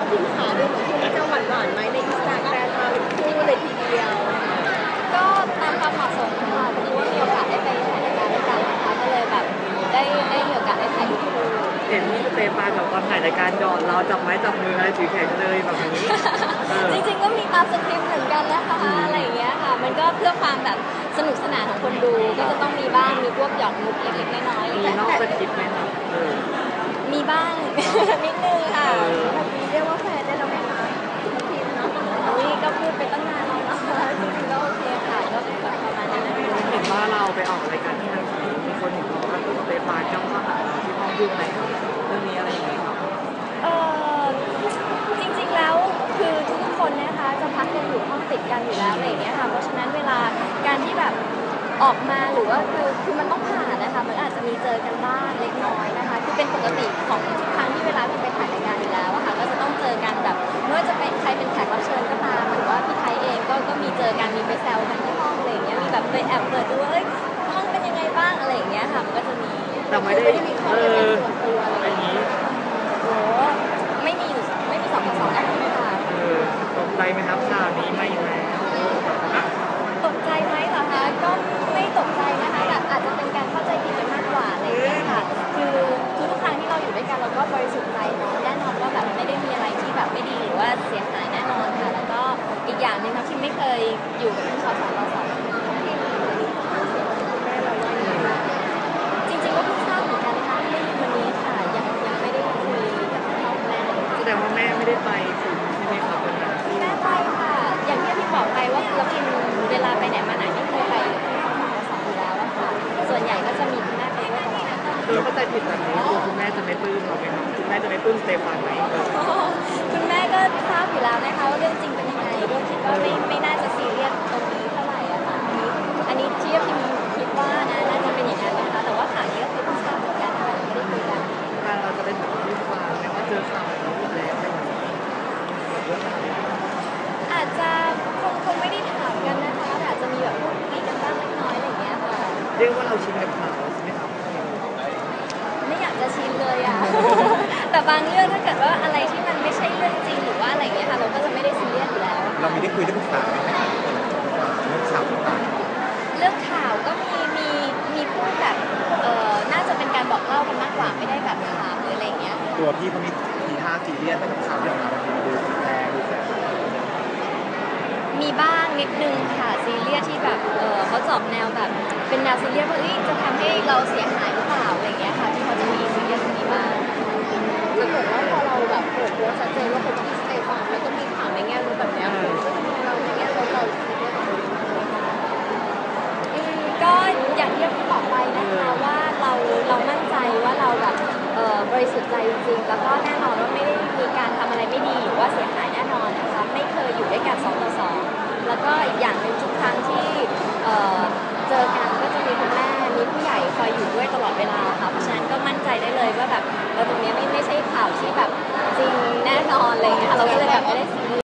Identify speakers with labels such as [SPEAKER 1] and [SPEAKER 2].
[SPEAKER 1] พิมขาดูเหมือนที่จะหวานๆไหมในอินสตาแกรมมาเป็นคู่เลยทีเดียว
[SPEAKER 2] ก็ตามความเหมาะสมค่ะพอดีว่ามีโอกาสได้ไปถ่ายรายการด้วยกันนะคะก็เลยแบบได้มีโอกาสได้ถ่ายรูปคู่
[SPEAKER 3] เห็นพี่สเตฟานแบบตอนถ่ายรายการหยอดเราจับไม้จับมืออะไรถือแขนเลยแบบนี้
[SPEAKER 2] จริงๆก็มีตามสคริปต์เหมือนกันนะคะอะไรอย่างเงี้ยค่ะมันก็เพื่อความแบบสนุกสนานของคนดูก็จะต้องมีบ้างมีพวกหยอกมุกเล็กๆน้อยๆ
[SPEAKER 3] มีนอกสคริปต์ไหมครับ
[SPEAKER 2] มีบ้าง นิดนึงค่ะ
[SPEAKER 1] แบบนี้เรียกว่าแฟนได้แล้วไหมคะพิมเนาะ
[SPEAKER 2] อุ้ยก็พูดไปตั้งนานแล้วเนาะจริงๆก็โอเคค่ะก็แบบประมาณนั้นนะคะ
[SPEAKER 3] เห็นว่าเราไปออกรายการที่ทางทีมีคนเห็นว่าพี่สเตฟานจ้องเข้าหาเราที่ห้องยุ่งอะไรครับเรื่องนี้อะไรอย่างเงี้ยครับ
[SPEAKER 2] เออจริงๆแล้วคือทุกคนนะคะจะพักกันอยู่ห้องติดกันอยู่แล้วอะไรอย่างเงี้ยค่ะเพราะฉะนั้นเวลาการที่แบบออกมาหรือว่าคือมันต้องผ่านนะคะมันอาจจะมีเจอกันบ้างเล็กน้อยนะคะคือเป็นปกติของทุกครั้งที่เวลาที่ไปถ่ายรายการอยู่แล้วอะค่ะก็จะต้องเจอกันแบบไม่ว่าจะเป็นใครเป็นแขกรับเชิญก็ตามหรือว่าพี่ไทยเองก็มีเจอกันมีไปแซวกันที่ห้องอะไรอย่างเงี้ยมีแบบไปแอบเปิดดูว่าเอ้ยห้องเป็นยังไงบ้างอะไรอย่างเงี้ยค่ะมันก็จะมี
[SPEAKER 3] แต่ไม่ได้
[SPEAKER 1] มีความเป็นส่วนตัวอะไร
[SPEAKER 3] อย่างนี้
[SPEAKER 2] โอ้ไม่มี2 ต่อ 2แล้วค่ะ
[SPEAKER 3] ตกใจไหมครับข่าวนี้ไม่แล้ว
[SPEAKER 2] ตกใจไหมเหรอคะก็ไม่ตกใจนะคะแต่อาจจะเป็นการเข้าใจผิดกันมากกว่าอะไรอย่างเงี้ยค่ะคือทุกครั้งที่เราอยู่ด้วยกันเราก็บริสุทธิ์ใจเนาะแน่นอนว่าแบบไม่ได้มีอะไรที่แบบไม่ดีหรือว่าเสียหายแน่นอนค่ะแล้วก็อีกอย่างหนึ่งนะที่ไม่เคยอยู่กับพี่2 ต่อ 2จริงๆก็เพิ่งทราบเหมือนกันนะคะได้ยินวันนี้ค่ะยังไม่ได้คุยกับพ่อแม่
[SPEAKER 3] แสดงว่าแม่ไม่ได้ไปถึงใช่ไหมครับวันนั้น
[SPEAKER 2] แม่ไปค่ะอย่างที่บอกไปว่าเราพิมเวลาไปไหนมาไหนไม่เคยไปที่2 ต่อ 2อยู่แล้วอะค่ะส่วนใหญ่ก็จะมีคุณแม่ไปด้วยตลอด
[SPEAKER 3] เข้าใจผิดแบบนี้คุณแม่จะไม่ปลื้มเราไหมครับคุณแม่จะไม่ปลื้มสเตฟานไหม
[SPEAKER 2] คุณแม่ก็ทราบอยู่แล้วนะคะว่าเรื่องจริงเป็นยังไงก็คิดว่าไม่น่าจะซีเรียสตรงนี้เท่าไหร่อะค่ะอันนี้ที่พิมคิดว่านะน่าจะเป็นอย่างนั้นนะคะแต่ว่าข่าวนี้ก็คือเพิ่งทราบเหมือนกันค่ะไม่ได้คุยกัน
[SPEAKER 3] เราจะเป็นแบบที่ฟังแม้ว่าเจอข่าวนี้แล้วอะไรอย่างนี้
[SPEAKER 2] อาจจะคงไม่ได้ถามกันนะคะแต่อาจจะมีแบบพูดคุยกันบ้างเล็กน้อยอะไรอย่างเงี้ยค่ะ
[SPEAKER 3] เรียกว่าเราชินกับข่าวใช่ไหมครับ
[SPEAKER 2] ไม่อยากจะชินเลยอะ แต่บางเรื่องถ้าเกิดว่าอะไรที่มันไม่ใช่เรื่องจริงหรือว่าอะไรอย่างเงี้ยค่ะเราก็จะไม่ได้ซีเรียสอยู่แล้ว
[SPEAKER 4] เราไม่ได้คุยได้ปรึกษาไหมครับเรื่องข่าวต่าง
[SPEAKER 2] เรื่องข่าวก็มีพูดแบบน่าจะเป็นการบอกเล่ากันมากกว่าไม่ได้แบบถามหรืออะไรอย่างเงี้ย
[SPEAKER 4] ตัวพี่เขามีทีท่าซีเรียสไปกับข่าวที่ออกมาบางทีมันดูแรงดูแสบ
[SPEAKER 2] มีบ้างนิดนึงค่ะซีเรียสที่แบบเขาจอบแนวแบบเป็นแนวซีเรียสว่าจะทำให้เราเสียหายหรือเปล่าอะไรอย่างเงี้ยค่ะที่เขาจะมีซีเรียสตรงนี้บ้าง
[SPEAKER 1] ถ้าเกิดว่าพอเราแบบเปิดตัวชัดเจนว่าเป็นที่สเตฟานแล้วก็มีข่าวในแง่ลบแบบนี้เราในแง่ลบเราคิดว่า
[SPEAKER 2] ก็อย่างที่พี่บอกไปนะคะว่าเรามั่นใจว่าเราแบบบริสุทธิ์ใจจริงๆแล้วก็แน่นอนว่าไม่ได้มีการทำอะไรไม่ดีหรือว่าเสียหายแน่นอนนะคะไม่เคยอยู่ด้วยกัน2 ต่อ 2แล้วก็อีกอย่างหนึ่งทุกครั้งที่เจอกันก็จะมีคุณแม่มีผู้ใหญ่คอยอยู่ด้วยตลอดเวลาค่ะเพราะฉะนั้นก็มั่นใจได้เลยว่าแบบตรงนี้